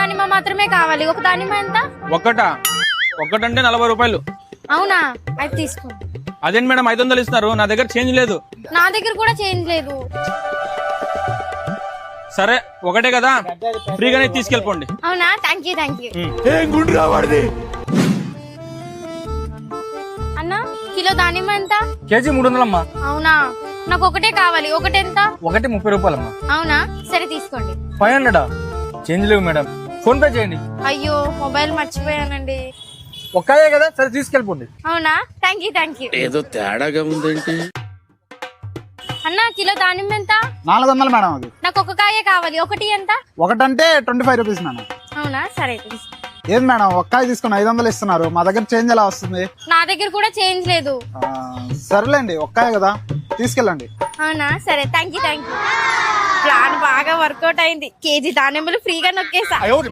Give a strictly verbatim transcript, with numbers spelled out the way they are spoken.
దానిమ్మ మాత్రమే కావాలి. ఒక దానిమ్మ ఎంత? ఒక్కట ఒక్కటంటే నలభై రూపాయలు. అవునా, అయితే తీసుకోండి. అదేంటి మేడం ఐదు వందలు ఇస్తున్నారు, నా దగ్గర చేంజ్ లేదు. నా దగ్గర కూడా చేంజ్ లేదు. సరే ఒకటే కదా, ఫ్రీగానే తీసుకెళ్ళిపోండి. అవునా, థ్యాంక్ యూ థ్యాంక్ యూ. అన్నా, కిలో దానిమ్మ ఎంత? కేజీ మూడు వందలమ్మా. అవునా, నాకు ఒకటే కావాలి. ఒకటి ఎంత? ఒకటి ముప్పై రూపాయలమ్మా. అవునా, సరే తీసుకోండి. ఫైవ్ హండ్రెడా? చేంజ్ లేవు మేడం, ఫోన్ పే చేయండి. అయ్యో, మొబైల్ మర్చిపోయానండి. ఒక్కయే కదా, సరే తీసుకెళ్ళిపోండి. అవునా, థ్యాంక్ యూ థ్యాంక్ యూ. ఏదో తేడాగా ఉందేంటి? అన్నా, కిలో దానిమ్మ ఎంత? నాలుగు వందలు మేడం. అది నాకు ఒక కాయే కావాలి. ఒకటి ఎంత? ఒకటంటే ట్వంటీ ఫైవ్ రూపీస్ మేడం. అవునా, సరే తీసుకో. ఏది మేడం ఒక్కాయ తీసుకుని ఐదు వందలు ఇస్తున్నారు, మా దగ్గర చేంజ్ ఎలా వస్తుంది? నా దగ్గర కూడా చేంజ్ లేదు. ఆ, సర్లేండి ఒక్కాయ కదా, తీసుకెళ్ళండి. అవునా, సరే thank you thank you. Plan బాగా వర్కౌట్ అయింది. కేజీ దానిమ్మలు ఫ్రీగా నొక్కేసా.